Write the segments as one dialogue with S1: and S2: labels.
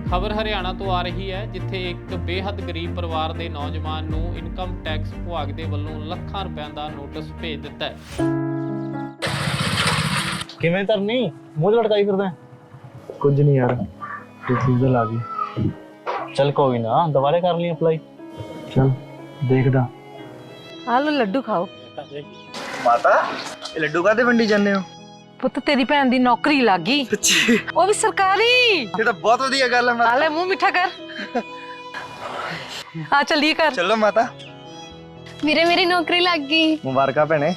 S1: ਖਬਰ ਹਰਿਆਣਾ ਤੋਂ ਆ ਰਹੀ ਹੈ, ਜਿੱਥੇ ਇੱਕ ਬੇਹੱਦ ਗਰੀਬ ਪਰਿਵਾਰ ਦੇ ਨੌਜਵਾਨ ਨੂੰ ਇਨਕਮ ਟੈਕਸ ਵਿਭਾਗ ਦੇ ਵੱਲੋਂ ਲੱਖਾਂ ਰੁਪਏ ਦਾ ਨੋਟਿਸ ਭੇਜ ਦਿੱਤਾ ਹੈ।
S2: ਕਿਵੇਂ ਤਰਨੀ ਮੂੰਹ ਲਟਕਾਈ ਫਿਰਦਾ?
S3: ਕੁਝ ਨਹੀਂ ਯਾਰ, ਰਿਫਿਊਜ਼ਲ ਆ ਗਈ।
S2: ਚੱਲ ਕੋਈ ਨਾ, ਦੁਬਾਰੇ ਕਰ ਲਈ ਅਪਲਾਈ।
S3: ਚਲ ਦੇਖਦਾ।
S4: ਆ ਲੋ ਲੱਡੂ ਖਾਓ।
S3: ਮਾਤਾ ਇਹ ਲੱਡੂ ਕਾਹਦੇ ਵੰਡੀ ਜਾਂਦੇ ਹੋ?
S4: ਪੁੱਤ ਤੇਰੀ ਭੈਣ ਦੀ ਨੌਕਰੀ ਲੱਗ ਗਈ,
S3: ਸੱਚੀ?
S4: ਉਹ ਵੀ ਸਰਕਾਰੀ।
S3: ਇਹ ਤਾਂ ਬਹੁਤ ਵਧੀਆ ਗੱਲ ਹੈ ਮਾਤਾ।
S4: ਆ ਲੈ ਮੂੰਹ ਮਿੱਠਾ ਕਰ। ਆ ਚੱਲੀਏ ਕਰ।
S3: ਚਲੋ ਮਾਤਾ।
S5: ਵੀਰੇ ਮੇਰੀ ਨੌਕਰੀ ਲੱਗ ਗਈ।
S3: ਮੁਬਾਰਕਾਂ ਭੈਣੇ।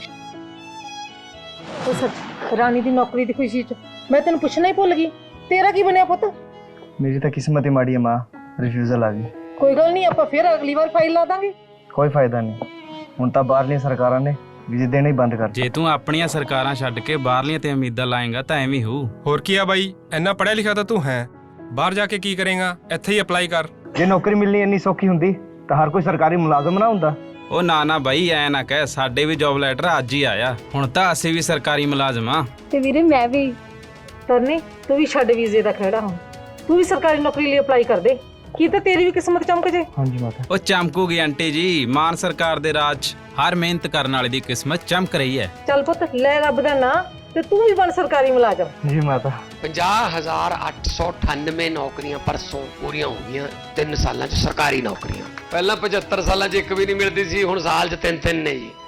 S4: ਰਾਣੀ ਦੀ ਨੌਕਰੀ ਦੀ ਖੁਸ਼ੀ ਚ ਮੈਂ ਤੈਨੂੰ ਪੁੱਛਣਾ ਹੀ ਭੁੱਲ ਗਈ, ਤੇਰਾ ਕੀ ਬਣਿਆ ਪੁੱਤ?
S3: ਮੇਰੀ ਤਾਂ ਕਿਸਮਤ ਹੀ ਮਾੜੀ ਹੈ ਮਾਂ, ਰਿਫਿਊਜ਼ਲ ਆ ਗਈ।
S4: ਕੋਈ ਗੱਲ ਨਹੀਂ, ਆਪਾਂ ਫਿਰ ਅਗਲੀ ਵਾਰ ਫਾਈਲ ਲਾ ਦਾਂਗੇ।
S3: ਕੋਈ ਫਾਇਦਾ ਨਹੀਂ, ਹੁਣ ਤਾਂ ਬਾਹਰਲੀਆਂ ਸਰਕਾਰਾਂ ਨੇ ਵੀਜ਼ੇ ਦੇਣੇ ਹੀ ਬੰਦ ਕਰ ਦਿੱਤੇ।
S6: ਜੇ ਤੂੰ ਆਪਣੀਆਂ ਸਰਕਾਰਾਂ ਛੱਡ ਕੇ ਬਾਹਰਲੀਆਂ ਤੇ ਉਮੀਦਾਂ ਲਾਏਗਾ ਤਾਂ ਐਵੇਂ ਹੋਊ।
S7: ਹੋਰ ਕੀ ਆ ਬਾਈ, ਇੰਨਾ ਪੜ੍ਹਿਆ ਲਿਖਿਆ ਤਾਂ ਤੂੰ ਹੈ, ਬਾਹਰ ਜਾ ਕੇ ਕੀ ਕਰੇਗਾ? ਇੱਥੇ ਹੀ ਅਪਲਾਈ ਕਰ।
S3: ਜੇ ਨੌਕਰੀ ਮਿਲਣੀ ਇੰਨੀ ਸੌਖੀ ਹੁੰਦੀ ਤਾਂ ਹਰ ਕੋਈ ਸਰਕਾਰੀ ਮੁਲਾਜ਼ਮ ਨਾ ਹੁੰਦਾ।
S6: ਉਹ ਨਾ ਬਾਈ, ਐ ਨਾ ਕਹਿ, ਸਾਡੇ ਵੀ ਜੌਬ ਲੈਟਰ ਅੱਜ ਹੀ ਆਇਆ। ਹੁਣ ਤਾਂ ਅਸੀਂ ਵੀ ਸਰਕਾਰੀ ਮੁਲਾਜ਼ਮ ਆ।
S5: ਤੇ ਵੀਰੇ ਮੈਂ ਵੀ।
S4: ਤਰਨੀ ਤੂੰ ਵੀ ਛੱਡ ਵੀਜ਼ੇ ਦਾ ਖਹਿੜਾ, ਹੁਣ ਤੂੰ ਵੀ ਸਰਕਾਰੀ ਨੌਕਰੀ ਲਈ ਅਪਲਾਈ ਕਰ ਦੇ, ਕੀ ਤਾਂ ਤੇਰੀ ਵੀ ਕਿਸਮਤ ਚਮਕ ਜੇ।
S3: ਹਾਂਜੀ ਮਾਤਾ।
S6: ਉਹ ਚਮਕੂਗੀ ਆਂਟੀ ਜੀ, ਮਾਨ ਸਰਕਾਰ ਦੇ ਰਾਜ 'ਚ ਹਰ ਮਿਹਨਤ ਕਰਨ ਵਾਲੇ ਦੀ ਕਿਸਮਤ ਚਮਕ ਰਹੀ ਹੈ।
S4: ਚੱਲ ਪੁੱਤ ਲੈ ਰੱਬ ਦਾ ਨਾਂ ਤੇ ਤੂੰ ਵੀ ਬਣ ਸਰਕਾਰੀ ਮੁਲਾਜ਼ਮ।
S3: ਜੀ ਮਾਤਾ।
S8: 50,898 ਨੌਕਰੀਆਂ ਪਰਸੋਂ ਪੂਰੀਆਂ ਹੋ ਗਈਆਂ 3 ਸਾਲਾਂ 'ਚ ਸਰਕਾਰੀ ਨੌਕਰੀਆਂ। ਪਹਿਲਾਂ 75 ਸਾਲਾਂ 'ਚ ਇੱਕ ਵੀ ਨਹੀਂ ਮਿਲਦੀ ਸੀ, ਹੁਣ ਸਾਲ 'ਚ 3-3 ਨੇ ਜੀ।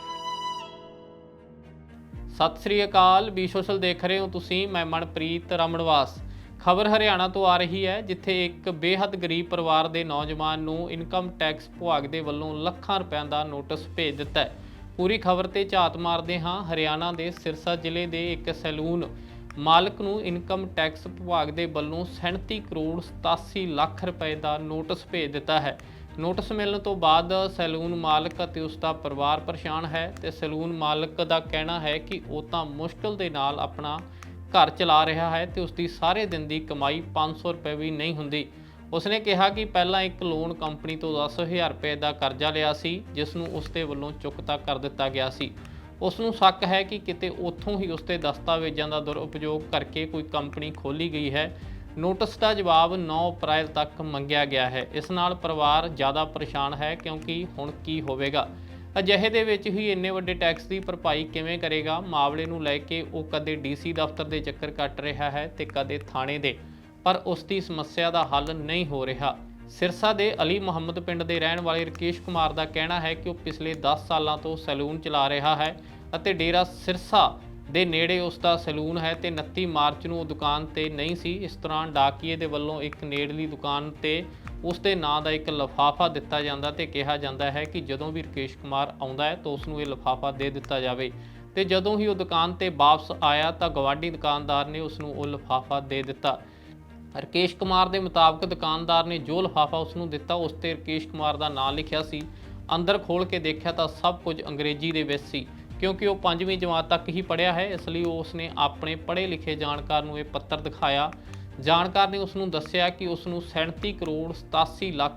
S1: ਸਤਿ ਸ੍ਰੀ ਅਕਾਲ, ਬੀ ਸੋਸ਼ਲ ਦੇਖ ਰਹੇ ਹੋ ਤੁਸੀਂ, ਮੈਂ ਮਨਪ੍ਰੀਤ ਰਮਣਵਾਸ। ਖਬਰ ਹਰਿਆਣਾ ਤੋਂ ਆ ਰਹੀ ਹੈ, ਜਿੱਥੇ ਇੱਕ ਬੇਹੱਦ ਗਰੀਬ ਪਰਿਵਾਰ ਦੇ ਨੌਜਵਾਨ ਨੂੰ ਇਨਕਮ ਟੈਕਸ ਵਿਭਾਗ ਦੇ ਵੱਲੋਂ ਲੱਖਾਂ ਰੁਪਏ ਦਾ ਨੋਟਿਸ ਭੇਜ ਦਿੱਤਾ ਹੈ। ਪੂਰੀ ਖਬਰ ਤੇ ਝਾਤ ਮਾਰਦੇ ਹਾਂ। ਹਰਿਆਣਾ ਦੇ ਸਿਰਸਾ ਜ਼ਿਲ੍ਹੇ ਦੇ ਇੱਕ ਸੈਲੂਨ ਮਾਲਕ ਨੂੰ ਇਨਕਮ ਟੈਕਸ ਵਿਭਾਗ ਦੇ ਵੱਲੋਂ 37 ਕਰੋੜ 87 ਲੱਖ ਰੁਪਏ ਦਾ ਨੋਟਿਸ ਭੇਜ ਦਿੱਤਾ ਹੈ। ਨੋਟਿਸ ਮਿਲਣ ਤੋਂ ਬਾਅਦ ਸੈਲੂਨ ਮਾਲਕ ਅਤੇ ਉਸ ਦਾ ਪਰਿਵਾਰ ਪਰੇਸ਼ਾਨ ਹੈ ਤੇ ਸੈਲੂਨ ਮਾਲਕ ਦਾ ਕਹਿਣਾ ਹੈ ਕਿ ਉਹ ਤਾਂ ਮੁਸ਼ਕਲ ਦੇ ਨਾਲ ਆਪਣਾ ਘਰ ਚਲਾ ਰਿਹਾ ਹੈ ਤੇ ਉਸ ਦੀ ਸਾਰੇ ਦਿਨ ਦੀ ਕਮਾਈ 500 ਰੁਪਏ ਵੀ ਨਹੀਂ ਹੁੰਦੀ। ਉਸਨੇ ਕਿਹਾ ਕਿ ਪਹਿਲਾਂ ਇੱਕ ਲੋਨ ਕੰਪਨੀ ਤੋਂ 10,000 ਰੁਪਏ ਦਾ ਕਰਜ਼ਾ ਲਿਆ ਸੀ, ਜਿਸ ਨੂੰ ਉਸ ਦੇ ਵੱਲੋਂ ਚੁਕਤਾ ਕਰ ਦਿੱਤਾ ਗਿਆ ਸੀ। ਉਸ ਨੂੰ ਸ਼ੱਕ ਹੈ ਕਿ ਕਿਤੇ ਉੱਥੋਂ ਹੀ ਉਸ ਦੇ ਦਸਤਾਵੇਜ਼ਾਂ ਦਾ ਦੁਰਉਪਯੋਗ ਕਰਕੇ ਕੋਈ ਕੰਪਨੀ ਖੋਲ੍ਹੀ ਗਈ ਹੈ। ਨੋਟਿਸ ਦਾ ਜਵਾਬ 9 ਅਪ੍ਰੈਲ ਤੱਕ ਮੰਗਿਆ ਗਿਆ ਹੈ। ਇਸ ਨਾਲ ਪਰਿਵਾਰ ਜ਼ਿਆਦਾ ਪਰੇਸ਼ਾਨ ਹੈ, ਕਿਉਂਕਿ ਹੁਣ ਕੀ ਹੋਵੇਗਾ। ਅਜਿਹੇ ਦੇ ਵਿੱਚ ਹੀ ਇੰਨੇ ਵੱਡੇ ਟੈਕਸ ਦੀ ਭਰਪਾਈ ਕਿਵੇਂ ਕਰੇਗਾ। ਮਾਮਲੇ ਨੂੰ ਲੈ ਕੇ ਉਹ ਕਦੇ ਡੀਸੀ ਦਫ਼ਤਰ ਦੇ ਚੱਕਰ ਕੱਟ ਰਿਹਾ ਹੈ ਤੇ ਕਦੇ ਥਾਣੇ ਦੇ, ਪਰ ਉਸ ਦੀ ਸਮੱਸਿਆ ਦਾ ਹੱਲ ਨਹੀਂ ਹੋ ਰਿਹਾ। ਸਿਰਸਾ ਦੇ ਅਲੀ ਮੁਹੰਮਦ ਪਿੰਡ ਦੇ ਰਹਿਣ ਵਾਲੇ ਰਕੇਸ਼ ਕੁਮਾਰ ਦਾ ਕਹਿਣਾ ਹੈ ਕਿ ਉਹ ਪਿਛਲੇ 10 ਸਾਲਾਂ ਤੋਂ ਸੈਲੂਨ ਚਲਾ ਰਿਹਾ ਹੈ ਅਤੇ ਡੇਰਾ ਸਿਰਸਾ ਦੇ ਨੇੜੇ ਉਸ ਦਾ ਸੈਲੂਨ ਹੈ ਤੇ 29 ਮਾਰਚ ਨੂੰ ਉਹ ਦੁਕਾਨ ਤੇ ਨਹੀਂ ਸੀ। ਇਸ ਦੌਰਾਨ ਡਾਕੀਏ ਦੇ ਵੱਲੋਂ ਇੱਕ ਨੇੜਲੀ ਦੁਕਾਨ ਤੇ ਉਸ ਦੇ ਨਾਂ ਦਾ ਇੱਕ ਲਿਫਾਫਾ ਦਿੱਤਾ ਜਾਂਦਾ ਤੇ ਕਿਹਾ ਜਾਂਦਾ ਹੈ ਕਿ ਜਦੋਂ ਵੀ ਰਕੇਸ਼ ਕੁਮਾਰ ਆਉਂਦਾ ਹੈ ਤਾਂ ਉਸ ਨੂੰ ਇਹ ਲਿਫਾਫਾ ਦੇ ਦਿੱਤਾ ਜਾਵੇ। ਤੇ ਜਦੋਂ ਹੀ ਉਹ ਦੁਕਾਨ ਤੇ ਵਾਪਸ ਆਇਆ ਤਾਂ ਗਵਾਂਢੀ ਦੁਕਾਨਦਾਰ ਨੇ ਉਸ ਨੂੰ ਉਹ ਲਿਫਾਫਾ ਦੇ ਦਿੱਤਾ। ਰਕੇਸ਼ ਕੁਮਾਰ ਦੇ ਮੁਤਾਬਕ ਦੁਕਾਨਦਾਰ ਨੇ ਜੋ ਲਿਫਾਫਾ ਉਸ ਨੂੰ ਦਿੱਤਾ ਉਸ ਤੇ ਰਕੇਸ਼ ਕੁਮਾਰ ਦਾ ਨਾਂ ਲਿਖਿਆ ਸੀ। ਅੰਦਰ ਖੋਲ੍ਹ ਕੇ ਦੇਖਿਆ ਤਾਂ ਸਭ ਕੁਝ ਅੰਗਰੇਜ਼ੀ ਦੇ ਵਿੱਚ ਸੀ। ਕਿਉਂਕਿ ਉਹ 5ਵੀਂ ਜਮਾਤ ਤੱਕ ਹੀ ਪੜ੍ਹਿਆ ਹੈ, ਇਸ ਲਈ ਉਸ ਨੇ ਆਪਣੇ ਪੜ੍ਹੇ ਲਿਖੇ ਜਾਣਕਾਰ ਨੂੰ ਇਹ ਪੱਤਰ ਦਿਖਾਇਆ। ਜਾਣਕਾਰ ਨੇ ਉਸ ਨੂੰ ਦੱਸਿਆ ਕਿ ਉਸ ਨੂੰ 37 ਕਰੋੜ 87 ਲੱਖ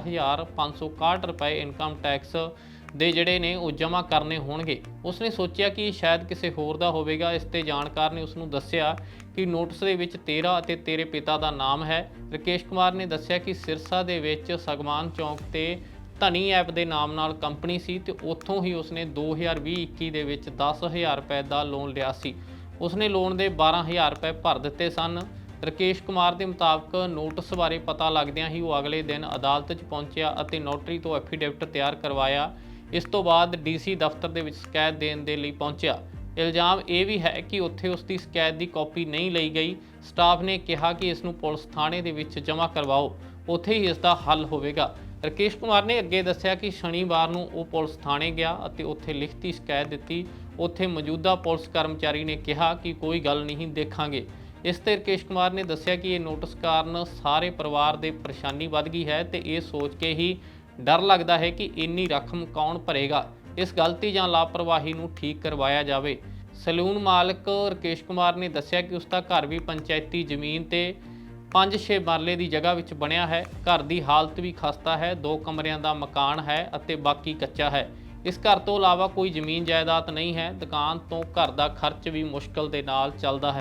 S1: 61,561 ਰੁਪਏ ਇਨਕਮ ਟੈਕਸ ਦੇ ਜਿਹੜੇ ਨੇ ਉਹ ਜਮ੍ਹਾਂ ਕਰਨੇ ਹੋਣਗੇ। ਉਸਨੇ ਸੋਚਿਆ ਕਿ ਸ਼ਾਇਦ ਕਿਸੇ ਹੋਰ ਦਾ ਹੋਵੇਗਾ। ਇਸ ਤੇ ਜਾਣਕਾਰ ਨੇ ਉਸ ਨੂੰ ਦੱਸਿਆ ਕਿ ਨੋਟਿਸ ਦੇ ਵਿੱਚ ਤੇਰਾ ਅਤੇ ਤੇਰੇ ਪਿਤਾ ਦਾ ਨਾਮ ਹੈ। ਰਕੇਸ਼ ਕੁਮਾਰ ਨੇ ਦੱਸਿਆ ਕਿ ਸਿਰਸਾ ਦੇ ਵਿੱਚ ਸਗਮਾਨ ਚੌਂਕ ਤੇ ਧਨੀ ਐਪ ਦੇ ਨਾਮ ਨਾਲ ਕੰਪਨੀ ਸੀ ਤੇ ਉੱਥੋਂ ਹੀ ਉਸਨੇ 2020-21 ਦੇ ਵਿੱਚ 10,000 ਰੁਪਏ ਦਾ ਲੋਨ ਲਿਆ ਸੀ। ਉਸਨੇ ਲੋਨ ਦੇ 12,000 ਰੁਪਏ ਭਰ ਦਿੱਤੇ ਸਨ। ਰਕੇਸ਼ ਕੁਮਾਰ ਦੇ ਮੁਤਾਬਕ ਨੋਟਿਸ ਬਾਰੇ ਪਤਾ ਲੱਗਦਿਆਂ ਹੀ ਉਹ ਅਗਲੇ ਦਿਨ ਅਦਾਲਤ 'ਚ ਪਹੁੰਚਿਆ ਅਤੇ ਨੋਟਰੀ ਤੋਂ ਐਫੀਡੇਵਿਟ ਤਿਆਰ ਕਰਵਾਇਆ। ਇਸ ਤੋਂ ਬਾਅਦ ਡੀਸੀ ਦਫ਼ਤਰ ਦੇ ਵਿੱਚ ਸ਼ਿਕਾਇਤ ਦੇਣ ਦੇ ਲਈ ਪਹੁੰਚਿਆ। ਇਲਜ਼ਾਮ ਇਹ ਵੀ ਹੈ ਕਿ ਉੱਥੇ ਉਸ ਦੀ ਸ਼ਿਕਾਇਤ ਦੀ ਕਾਪੀ ਨਹੀਂ ਲਈ ਗਈ। ਸਟਾਫ ਨੇ ਕਿਹਾ ਕਿ ਇਸ ਨੂੰ ਪੁਲਿਸ ਥਾਣੇ ਦੇ ਵਿੱਚ ਜਮ੍ਹਾਂ ਕਰਵਾਓ, ਉੱਥੇ ਹੀ ਇਸ ਦਾ ਹੱਲ ਹੋਵੇਗਾ। ਰਕੇਸ਼ ਕੁਮਾਰ ਨੇ ਅੱਗੇ ਦੱਸਿਆ ਕਿ ਸ਼ਨੀਵਾਰ ਨੂੰ ਉਹ ਪੁਲਿਸ ਥਾਣੇ ਗਿਆ ਅਤੇ ਉੱਥੇ ਲਿਖਤੀ ਸ਼ਿਕਾਇਤ ਦਿੱਤੀ। ਉੱਥੇ ਮੌਜੂਦਾ ਪੁਲਿਸ ਕਰਮਚਾਰੀ ਨੇ ਕਿਹਾ ਕਿ ਕੋਈ ਗੱਲ ਨਹੀਂ, ਦੇਖਾਂਗੇ। ਇਸ ਤੇ ਰਕੇਸ਼ ਕੁਮਾਰ ਨੇ ਦੱਸਿਆ ਕਿ ਇਹ ਨੋਟਿਸ ਕਾਰਨ ਸਾਰੇ ਪਰਿਵਾਰ ਦੇ ਪਰੇਸ਼ਾਨੀ ਵੱਧ ਗਈ ਹੈ ਤੇ ਇਹ ਸੋਚ ਕੇ ਹੀ ਡਰ ਲੱਗਦਾ ਹੈ ਕਿ ਇੰਨੀ ਰਕਮ ਕੌਣ ਭਰੇਗਾ। ਇਸ ਗਲਤੀ ਜਾਂ ਲਾਪਰਵਾਹੀ ਨੂੰ ਠੀਕ ਕਰਵਾਇਆ ਜਾਵੇ। ਸੈਲੂਨ ਮਾਲਕ ਰਕੇਸ਼ ਕੁਮਾਰ ਨੇ ਦੱਸਿਆ ਕਿ ਉਸ ਦਾ ਘਰ ਵੀ ਪੰਚਾਇਤੀ ਜ਼ਮੀਨ ਤੇ 5-6 ਮਰਲੇ ਦੀ ਜਗ੍ਹਾ ਵਿੱਚ ਬਣਿਆ ਹੈ। ਘਰ ਦੀ ਹਾਲਤ ਵੀ ਖਸਤਾ ਹੈ, 2 ਕਮਰਿਆਂ ਦਾ ਮਕਾਨ ਹੈ ਅਤੇ ਬਾਕੀ ਕੱਚਾ ਹੈ। ਇਸ ਘਰ ਤੋਂ ਇਲਾਵਾ ਕੋਈ ਜ਼ਮੀਨ ਜਾਇਦਾਦ ਨਹੀਂ ਹੈ। ਦੁਕਾਨ ਤੋਂ ਘਰ ਦਾ ਖਰਚ ਵੀ ਮੁਸ਼ਕਲ ਦੇ ਨਾਲ ਚੱਲਦਾ ਹੈ।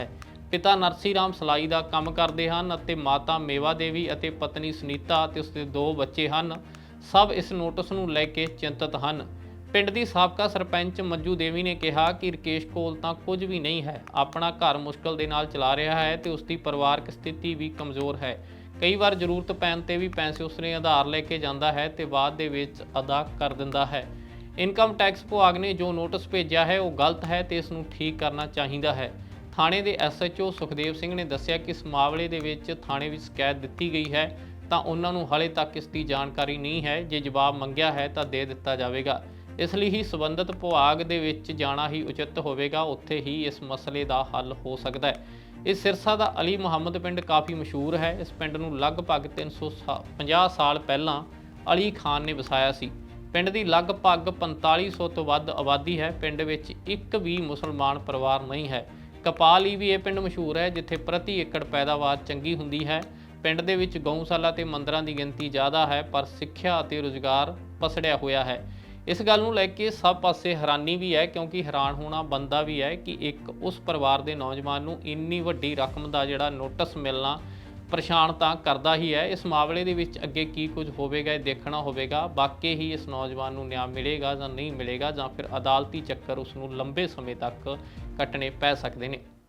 S1: ਪਿਤਾ ਨਰਸੀ ਰਾਮ ਸਲਾਈ ਦਾ ਕੰਮ ਕਰਦੇ ਹਨ ਅਤੇ ਮਾਤਾ ਮੇਵਾ ਦੇਵੀ ਅਤੇ ਪਤਨੀ ਸੁਨੀਤਾ ਅਤੇ ਉਸਦੇ 2 ਬੱਚੇ ਹਨ। ਸਭ ਇਸ ਨੋਟਿਸ ਨੂੰ ਲੈ ਕੇ ਚਿੰਤਤ ਹਨ। ਪਿੰਡ ਦੀ ਸਾਬਕਾ ਸਰਪੰਚ ਮੰਜੂ ਦੇਵੀ ਨੇ ਕਿਹਾ ਕਿ ਰਕੇਸ਼ ਕੋਲ ਤਾਂ ਕੁਝ ਵੀ ਨਹੀਂ ਹੈ, ਆਪਣਾ ਘਰ ਮੁਸ਼ਕਲ ਦੇ ਨਾਲ ਚਲਾ ਰਿਹਾ ਹੈ ਤੇ ਉਸਦੀ ਪਰਿਵਾਰਕ ਸਥਿਤੀ ਵੀ ਕਮਜ਼ੋਰ ਹੈ। ਕਈ ਵਾਰ ਜ਼ਰੂਰਤ ਪੈਣ ਤੇ ਵੀ ਪੈਸੇ ਉਸਨੇ ਉਧਾਰ ਲੈ ਕੇ ਜਾਂਦਾ ਹੈ ਤੇ ਬਾਅਦ ਦੇ ਵਿੱਚ ਅਦਾ ਕਰ ਦਿੰਦਾ ਹੈ। ਇਨਕਮ ਟੈਕਸ ਵਿਭਾਗ ਨੇ ਜੋ ਨੋਟਿਸ ਭੇਜਿਆ ਹੈ ਉਹ ਗਲਤ ਹੈ ਤੇ ਇਸ ਨੂੰ ਠੀਕ ਕਰਨਾ ਚਾਹੀਦਾ ਹੈ। ਥਾਣੇ ਦੇ SHO ਸੁਖਦੇਵ ਸਿੰਘ ਨੇ ਦੱਸਿਆ ਕਿ ਇਸ ਮਾਮਲੇ ਦੇ ਵਿੱਚ ਥਾਣੇ ਵਿੱਚ ਸ਼ਿਕਾਇਤ ਦਿੱਤੀ ਗਈ ਹੈ ਤਾਂ ਉਹਨਾਂ ਨੂੰ ਹਾਲੇ ਤੱਕ ਇਸ ਦੀ ਜਾਣਕਾਰੀ ਨਹੀਂ ਹੈ। ਜੇ ਜਵਾਬ ਮੰਗਿਆ ਹੈ ਤਾਂ ਦੇ ਦਿੱਤਾ ਜਾਵੇਗਾ। ਇਸ ਲਈ ਹੀ ਸੰਬੰਧਿਤ ਵਿਭਾਗ ਦੇ ਵਿੱਚ ਜਾਣਾ ਹੀ ਉਚਿਤ ਹੋਵੇਗਾ, ਉੱਥੇ ਹੀ ਇਸ ਮਸਲੇ ਦਾ ਹੱਲ ਹੋ ਸਕਦਾ ਹੈ। ਇਸ ਸਿਰਸਾ ਦਾ ਅਲੀ ਮੁਹੰਮਦ ਪਿੰਡ ਕਾਫੀ ਮਸ਼ਹੂਰ ਹੈ। ਇਸ ਪਿੰਡ ਨੂੰ ਲਗਭਗ 350 ਸਾਲ ਪਹਿਲਾਂ ਅਲੀ ਖਾਨ ਨੇ ਵਸਾਇਆ ਸੀ। ਪਿੰਡ ਦੀ ਲਗਭਗ 4500 ਤੋਂ ਵੱਧ ਆਬਾਦੀ ਹੈ। ਪਿੰਡ ਵਿੱਚ ਇੱਕ ਵੀ ਮੁਸਲਮਾਨ ਪਰਿਵਾਰ ਨਹੀਂ ਹੈ। ਕਪਾਲ ਲਈ ਵੀ ਇਹ ਪਿੰਡ ਮਸ਼ਹੂਰ ਹੈ, ਜਿੱਥੇ ਪ੍ਰਤੀ ਏਕੜ ਪੈਦਾਵਾਰ ਚੰਗੀ ਹੁੰਦੀ ਹੈ। ਪਿੰਡ ਦੇ ਵਿੱਚ ਗਊਸ਼ਾਲਾ ਤੇ ਮੰਦਰਾਂ ਦੀ ਗਿਣਤੀ ਜ਼ਿਆਦਾ ਹੈ, ਪਰ ਸਿੱਖਿਆ ਅਤੇ ਰੁਜ਼ਗਾਰ ਪਸੜਿਆ ਹੋਇਆ ਹੈ। ਇਸ ਗੱਲ ਨੂੰ ਲੈ ਕੇ ਸਭ ਪਾਸੇ ਹੈਰਾਨੀ ਵੀ ਹੈ, ਕਿਉਂਕਿ ਹੈਰਾਨ ਹੋਣਾ ਬਣਦਾ ਵੀ ਹੈ ਕਿ ਇੱਕ ਉਸ ਪਰਿਵਾਰ ਦੇ ਨੌਜਵਾਨ ਨੂੰ ਇੰਨੀ ਵੱਡੀ ਰਕਮ ਦਾ ਜਿਹੜਾ ਨੋਟਿਸ ਮਿਲਣਾ ਪਰੇਸ਼ਾਨ ਤਾਂ ਕਰਦਾ ਹੀ ਹੈ। ਇਸ ਮਾਮਲੇ ਦੇ ਵਿੱਚ ਅੱਗੇ ਕੀ ਕੁਝ ਹੋਵੇਗਾ ਇਹ ਦੇਖਣਾ ਹੋਵੇਗਾ। ਵਾਕਈ ਹੀ ਇਸ ਨੌਜਵਾਨ ਨੂੰ ਨਿਆਂ ਮਿਲੇਗਾ ਜਾਂ ਨਹੀਂ ਮਿਲੇਗਾ, ਜਾਂ ਫਿਰ ਅਦਾਲਤੀ ਚੱਕਰ ਉਸ ਨੂੰ ਲੰਬੇ ਸਮੇਂ ਤੱਕ ਕੱਟਣੇ ਪੈ ਸਕਦੇ ਨੇ।